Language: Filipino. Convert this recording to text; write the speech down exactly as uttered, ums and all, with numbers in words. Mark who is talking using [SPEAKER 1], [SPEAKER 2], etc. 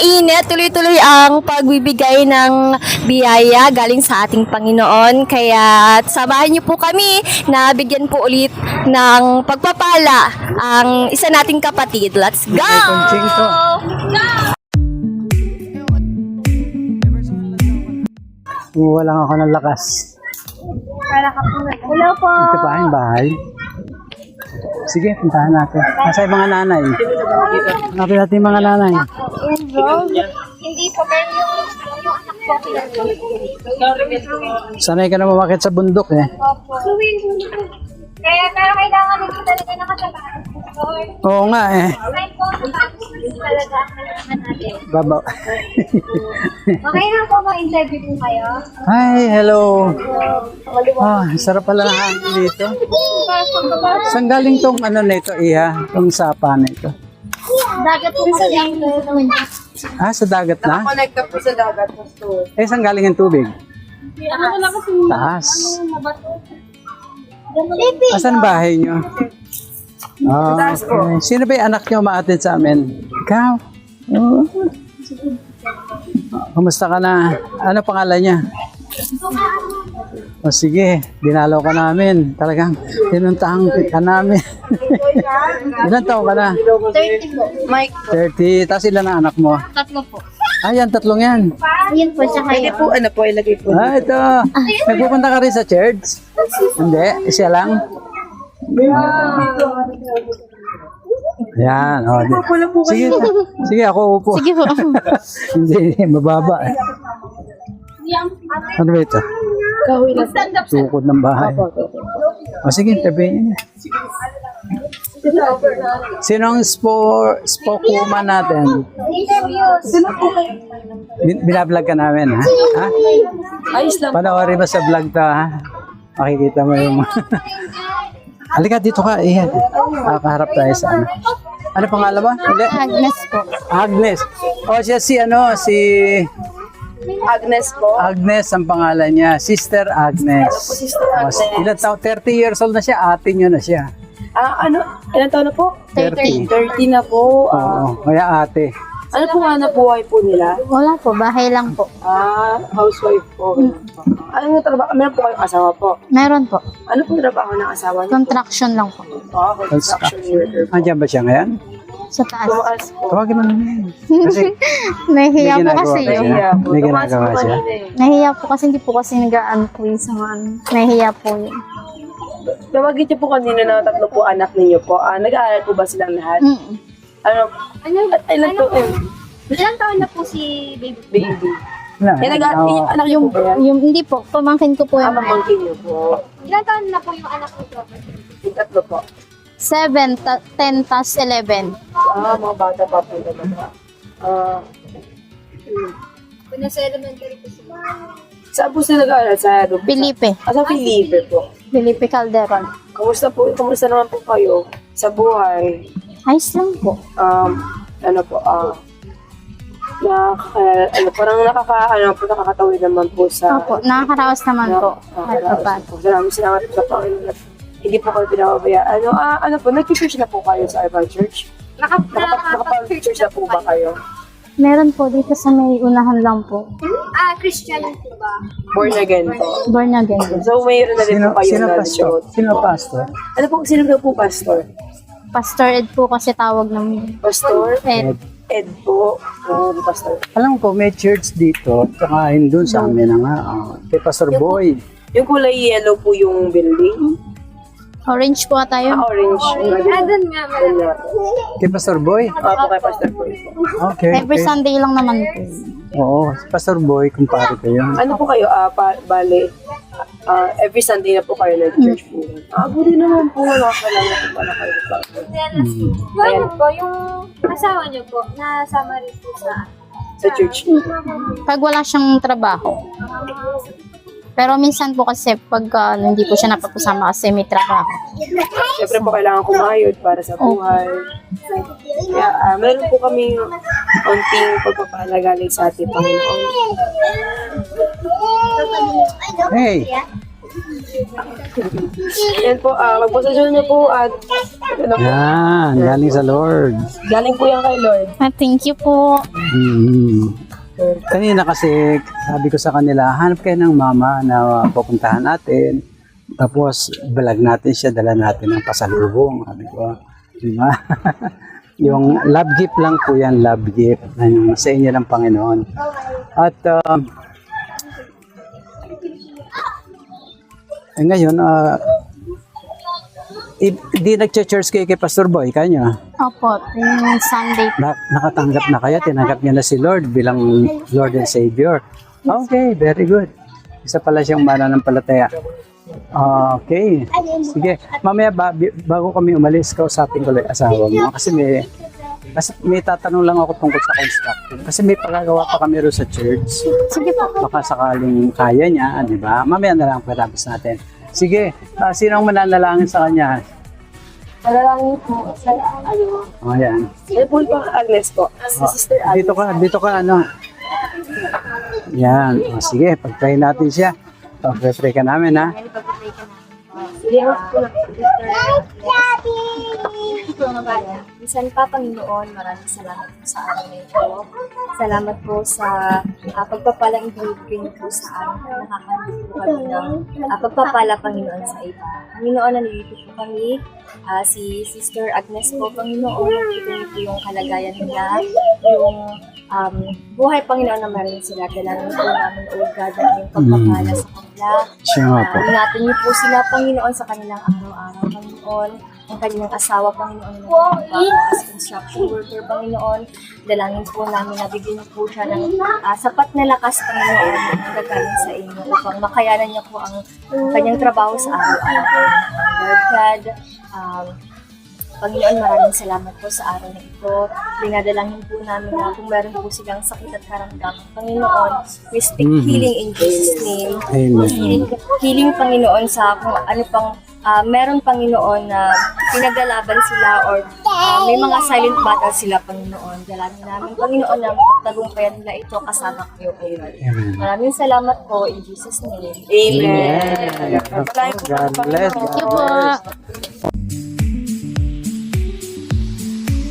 [SPEAKER 1] mainit, tuloy-tuloy ang pagbibigay ng biyaya galing sa ating Panginoon. Kaya samahan niyo po kami na bigyan po ulit ng pagpapala ang isa nating kapatid. Let's go!
[SPEAKER 2] Kunching to. Kumuha lang ako ng lakas.
[SPEAKER 1] Hello po!
[SPEAKER 2] Ito pa yung bahay. Sige, puntahan natin. Nasa yung mga nanay. Hanapin natin yung mga nanay.
[SPEAKER 1] Hindi po, pero yung, yung anak po.
[SPEAKER 2] Sanay ka na mamakit sa bundok eh.
[SPEAKER 1] Opo. Kaya pero kailangan nito talaga nakasabahan.
[SPEAKER 2] Oo nga eh.
[SPEAKER 1] Right po, talaga kailangan natin.
[SPEAKER 2] Baba.
[SPEAKER 1] Okay na po ba interview po kayo?
[SPEAKER 2] Hi, hello. Ah, sarap pala ng hangin dito. Saan galing tong ano na ito, Iha? Tong sapa na ito?
[SPEAKER 1] Dagat po sa dagat.
[SPEAKER 2] Ah, sa dagat na?
[SPEAKER 3] Connecta po sa dagat.
[SPEAKER 2] Eh, saan galing ang tubig? Taas. Asan bahay nyo? Ah, okay. Sino ba yung anak nyo umaatid sa amin? Ikaw? Oh. Kumusta ka na? Ano pangalan niya? O sige, dinalaw ka namin. Talagang tinuntahan ka namin. Ilan taon ka na?
[SPEAKER 1] thirty po. Mike,
[SPEAKER 2] thirty. Tapos ilan ang anak mo?
[SPEAKER 1] tatlo po.
[SPEAKER 2] Ah, yan, tatlong yan.
[SPEAKER 1] Yun po sa
[SPEAKER 3] Pwede
[SPEAKER 1] kayo.
[SPEAKER 3] po, ano po, ilagay po.
[SPEAKER 2] Ah, ito. Nagpupunta ka rin sa church? Hindi, siya lang. Yan, oh. di- Sige, sige ako upo.
[SPEAKER 1] Sige po.
[SPEAKER 2] Hindi, mababa. eh. Ano ba ito?
[SPEAKER 3] Kahoy na.
[SPEAKER 2] Tukod ng bahay. O sige, tabihin niya. Sino ang spo, spokeswoman natin? Bin- Binablog ka namin, ha? Ha?
[SPEAKER 3] Ayos lang.
[SPEAKER 2] Panoorin mo sa vlog to, ha? Makikita mo yung... Halika, dito ka. Iyan. Nakaharap tayo sa ano. Ano pangalan mo? Hindi.
[SPEAKER 1] Agnes po.
[SPEAKER 2] Agnes. O siya si ano, si
[SPEAKER 3] Agnes po.
[SPEAKER 2] Agnes ang pangalan niya. Sister Agnes.
[SPEAKER 3] Sister
[SPEAKER 2] O,
[SPEAKER 3] Agnes.
[SPEAKER 2] ilan taon? thirty years old na siya. Ate niyo na siya.
[SPEAKER 3] Ah, ano? Ilan taon na po?
[SPEAKER 2] thirty.
[SPEAKER 3] thirty na po. Ah,
[SPEAKER 2] Oo, kaya ate.
[SPEAKER 3] ano po nga na buhay po nila?
[SPEAKER 1] Wala po, bahay lang po.
[SPEAKER 3] Ah, housewife po. Ano nga trabaho? Meron po kayong asawa po?
[SPEAKER 1] Meron po.
[SPEAKER 3] Ano po trabaho ng asawa niyo?
[SPEAKER 1] Contraction lang po.
[SPEAKER 3] Ah, construction worker po.
[SPEAKER 2] Andiyan ba siya ngayon?
[SPEAKER 1] Sa taas.
[SPEAKER 3] Tumaas po.
[SPEAKER 2] Tawagin mo naman. Kasi
[SPEAKER 1] Nahihiya
[SPEAKER 2] May
[SPEAKER 1] po
[SPEAKER 2] ginagawa
[SPEAKER 1] kasi.
[SPEAKER 2] ka siya.
[SPEAKER 3] Nahiya po.
[SPEAKER 2] May
[SPEAKER 3] Tumaas
[SPEAKER 2] ginagawa
[SPEAKER 3] po
[SPEAKER 2] siya.
[SPEAKER 3] kanina eh.
[SPEAKER 1] Nahihiya po kasi hindi po kasi nag-aan po yung sa mga ano. Nahihiya po yun.
[SPEAKER 3] Tawagin niyo po kanina na tatlo po anak ninyo po. Ah, nag-aaral po ba silang lahat?
[SPEAKER 1] Mm.
[SPEAKER 3] Ano? Ano? At ilan po? eh,
[SPEAKER 1] Ilang taon na po si baby?
[SPEAKER 3] Baby.
[SPEAKER 2] Wala.
[SPEAKER 3] Kaya nag-aaral
[SPEAKER 2] Oo.
[SPEAKER 3] anak niyo po ba yan?
[SPEAKER 1] Yung, hindi po, pamangkin ko po
[SPEAKER 3] Ah,
[SPEAKER 1] yung
[SPEAKER 3] pamangkin niyo po.
[SPEAKER 1] Ilang taon na po yung anak ko?
[SPEAKER 3] Yung tatlo po.
[SPEAKER 1] seven, ten, tas eleven.
[SPEAKER 3] Ah, mga bata pa po talaga. Ah,
[SPEAKER 1] Kung nasa elementary po sila.
[SPEAKER 3] saan po sila nag-aaral? Sa Rubik?
[SPEAKER 1] Felipe.
[SPEAKER 3] Ah, sa Felipe po.
[SPEAKER 1] Felipe Calderon.
[SPEAKER 3] Kamusta po? Kamusta naman po kayo sa buhay?
[SPEAKER 1] Ayos lang po.
[SPEAKER 3] Um, ano po, ah, na, uh, ano, parang nakaka, ano po, nakakatawid naman po sa,
[SPEAKER 1] Opo, nakakaraos naman po. At
[SPEAKER 3] nakakaraos
[SPEAKER 1] papat.
[SPEAKER 3] po. Salamat, salamat sa Panginoon. at Hindi po kayo pinapabaya. Ano, ah, ano po, nag-church na po kayo sa Ivan Church? Nakapag-church na po ba kayo?
[SPEAKER 1] Meron po dito sa may unahan lang po.
[SPEAKER 4] Ah, Christian po ba?
[SPEAKER 3] Born again po.
[SPEAKER 1] Born again. din.
[SPEAKER 3] So, mayroon na rin
[SPEAKER 2] Sino,
[SPEAKER 3] po kayo
[SPEAKER 2] sino
[SPEAKER 3] na
[SPEAKER 2] pastor? Sino pastor?
[SPEAKER 3] Ano po, sino daw po pastor?
[SPEAKER 1] Pastor Ed po kasi tawag ng
[SPEAKER 3] Pastor?
[SPEAKER 1] Ed.
[SPEAKER 3] Ed po. Oh, pastor.
[SPEAKER 2] Alam ko, may church dito. Tsaka yun doon sa amin na nga. Oh. Kay Pastor Boy.
[SPEAKER 3] Yung kulay yellow po yung building.
[SPEAKER 1] Orange po ata yun.
[SPEAKER 3] Ah, orange.
[SPEAKER 4] Ah, dun nga.
[SPEAKER 3] Ano?
[SPEAKER 2] Kay Pastor Boy.
[SPEAKER 3] Ah, po kay Pastor po.
[SPEAKER 2] Okay.
[SPEAKER 1] Every
[SPEAKER 2] okay.
[SPEAKER 1] Sunday lang naman po.
[SPEAKER 2] Oo, si Pastor Boy, kumpare ko yun.
[SPEAKER 3] Ano po kayo? Ah, pa, bale, ah, every Sunday na po kayo nag-church po. Ah, buti naman po. Nakakalala po pala kayo.
[SPEAKER 2] Hmm.
[SPEAKER 4] Yung ano po, yung asawa niyo po, nasama rin po sa
[SPEAKER 3] Sa church.
[SPEAKER 1] Pag wala siyang trabaho. Pero minsan po kasi pag uh, hindi po siya napapasama kasi may trabaho.
[SPEAKER 3] Siyempre po kailangan kumayod para sa buhay. Kaya ah, meron po kami konting pagpapala galing sa ating Panginoon.
[SPEAKER 2] Hey!
[SPEAKER 3] Yan po, ah, magposisyon niyo po at ano po,
[SPEAKER 2] Yan, galing sa Lord.
[SPEAKER 3] galing po yan kay Lord.
[SPEAKER 4] Ah, thank you po.
[SPEAKER 2] Mm. Kanina kasi sabi ko sa kanila, hanap kayo ng mama na pupuntahan natin. Tapos balag natin siya, dala natin ng pasalubong. Sabi ko, di ba? Yung love gift lang po yan, love gift na yung sa inyo ng Panginoon. At um, eh, ngayon, uh, hindi nag-church kayo kay Pastor Boy, kanyo?
[SPEAKER 4] Opo, yung Sunday.
[SPEAKER 2] Na, nakatanggap na kaya, tinanggap niya na si Lord bilang Lord and Savior. Okay, very good. Isa pala siyang mananampalataya. Okay. Sige. Mamaya ba, bi- bago kami umalis, kausapin ko lang yung asawa mo. Kasi may, kasi may tatanong lang ako tungkol sa construction. Kasi may pagagawa pa kami rin sa church.
[SPEAKER 4] Sige po.
[SPEAKER 2] Baka sakaling kaya niya, di ba? Mamaya na lang pagkatapos natin. Sige, uh, sino ang mananalangin sa kanya?
[SPEAKER 3] Malalangin po sa ano,
[SPEAKER 2] O, yan.
[SPEAKER 3] eh po po Agnes po. Si Sister Agnes.
[SPEAKER 2] Dito ka, dito ka, ano. Yan. O, sige, pag-pray natin siya. Pag-pray ka namin, ha?
[SPEAKER 3] Sige po.
[SPEAKER 1] Minsan pa, Panginoon, maraming salamat po sa araw na ito. Salamat po sa uh, pagpapalang ibinibigay niyo po sa amin. Nakakahanap po kami ng uh, pagpapala, Panginoon, sa iba. Panginoon, nalilito po kami. Uh, si Sister Agnes po, Panginoon, nakikita niyo po yung kalagayan nila, yung um, buhay, Panginoon, na meron sila. Dalangin po namin, O God, na yung pagpapala sa kanila.
[SPEAKER 2] Siya nga po.
[SPEAKER 1] Uh, ingatan niyo po sila, Panginoon, sa kanilang araw-araw, Panginoon. Ang kanilang asawa, Panginoon, na nagtatrabaho as construction worker, Panginoon. Dalangin po namin na bigyan niyo po siya ng ah, sapat na lakas, Panginoon, na gagaling sa inyo upang makayanan niya po ang kanyang trabaho sa araw-araw. Lord God, um, Panginoon, maraming salamat po sa araw na ito. Dinadalangin po namin na kung meron po silang sakit at karamdaman, Panginoon, we speak
[SPEAKER 2] Mhm.
[SPEAKER 1] healing in Jesus' name.
[SPEAKER 2] Amen.
[SPEAKER 1] Healing, healing, Panginoon, sa kung ano pang ah, meron, Panginoon, na pinaglalaban sila or ah, may mga silent battle sila, Panginoon. Dalangin namin, Panginoon, na mapagtagumpayan nila ito kasama kayo, Panginoon.
[SPEAKER 2] Amen.
[SPEAKER 1] Maraming salamat po in Jesus' name.
[SPEAKER 3] Amen.
[SPEAKER 2] God bless. God
[SPEAKER 4] Thank you
[SPEAKER 2] bless.
[SPEAKER 4] po.